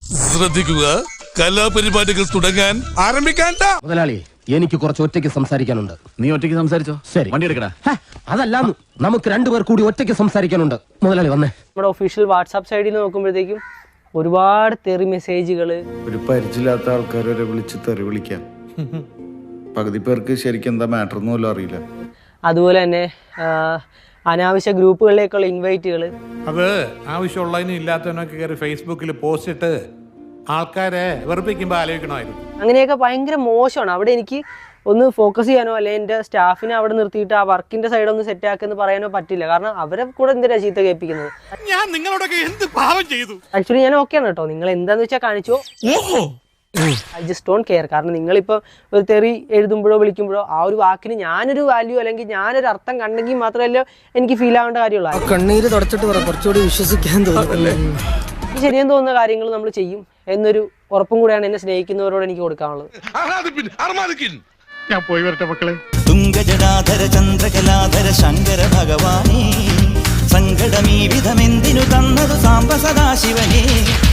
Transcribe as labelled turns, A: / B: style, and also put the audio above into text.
A: ശ്രദ്ധിക്കുക, കലാപരിപാടികൾ തുടങ്ങാൻ ആരംഭിക്കാൻ.
B: മുതലാളി, എനിക്ക് കുറച്ച് ഒറ്റയ്ക്ക് സംസാരിക്കാനുണ്ട്.
C: നീ ഒറ്റയ്ക്ക് സംസാരിച്ചോ?
B: ശരി,
C: വണ്ടി എടുക്കടാ.
B: അതല്ല, നമുക്ക് രണ്ടുപേർ കൂടി ഒറ്റയ്ക്ക് സംസാരിക്കാനുണ്ട്. മുതലാളി വന്നേ.
D: നമ്മുടെ ഒഫീഷ്യൽ വാട്സാപ്പ് സൈഡിൽ നോക്കുമ്പോഴത്തേക്കും ഒരുപാട് തെറി മെസ്സേജുകൾ.
E: ഒരു പരിചയമില്ലാത്ത ആൾക്കാരെ വിളിച്ച് തെറി വിളിക്കാം. പകുതി പേർക്ക് ശരിക്കും എന്താ മാറ്റർ ഒന്നും അറിയില്ല.
D: അതുപോലെ തന്നെ അനാവശ്യ ഗ്രൂപ്പുകളിലേക്കുള്ള ഇൻവൈറ്റുകൾ.
F: അത് ആവശ്യമുള്ളതിനും ഇല്ലാത്തതിനൊക്കെ കയറി ഫേസ്ബുക്കിൽ പോസ്റ്റ് ഇട്ട് ആൾക്കാരെ വെറുപ്പിക്കുമ്പോൾ ആലോചിക്കണമായിരുന്നു.
D: അങ്ങനെയൊക്കെ ഭയങ്കര മോശമാണ്. അവിടെ എനിക്ക് ഒന്ന് ഫോക്കസ് ചെയ്യാനോ അല്ലെങ്കിൽ എൻ്റെ സ്റ്റാഫിനെ അവിടെ നിർത്തിയിട്ട് ആ വർക്കിന്റെ സൈഡ് ഒന്ന് സെറ്റ് ആക്കെന്ന് പറയാനോ പറ്റില്ല. കാരണം അവരെ കൂടെ എന്തിനാ ചീത്ത കേൾപ്പിക്കുന്നത്?
F: ഞാൻ നിങ്ങളോടൊക്കെ എന്ത് പാവം ചെയ്തു?
D: ആക്ച്വലി ഞാൻ ഓക്കെയാണ് കേട്ടോ, നിങ്ങൾ എന്താന്ന് വെച്ചാൽ കാണിച്ചോ. I just don't care. കാരണം നിങ്ങളിപ്പോൾ ഒരു തെറി എഴുതുമ്പോഴോ വിളിക്കുമ്പോഴോ ആ ഒരു വാക്കിന് ഞാനൊരു വാല്യൂ അല്ലെങ്കിൽ ഞാനൊരു അർത്ഥം കണ്ടെങ്കിൽ മാത്രമല്ല എനിക്ക് ഫീൽ ആവേണ്ട കാര്യമുള്ളൂ.
G: കണ്ണീര് തുടച്ചിട്ട് കുറച്ചുകൂടി വിശ്വസിക്കാൻ തോന്നുന്നല്ലേ.
D: ശരിയെന്ന് തോന്നുന്ന കാര്യങ്ങൾ നമ്മൾ ചെയ്യും എന്നൊരു ഉറപ്പും കൂടെയാണ് എന്നെ സ്നേഹിക്കുന്നവരോട് എനിക്ക് കൊടുക്കാനുള്ളത്.
F: ഞാൻ പോയി വരട്ടെ മക്കളെ.
H: തുംഗജടാധര ചന്ദ്രകലാധര ശങ്കര ഭഗവാനേ, സങ്കടമീ വിധമെന്തിനു തന്നതു സാംബ സദാശിവനേ.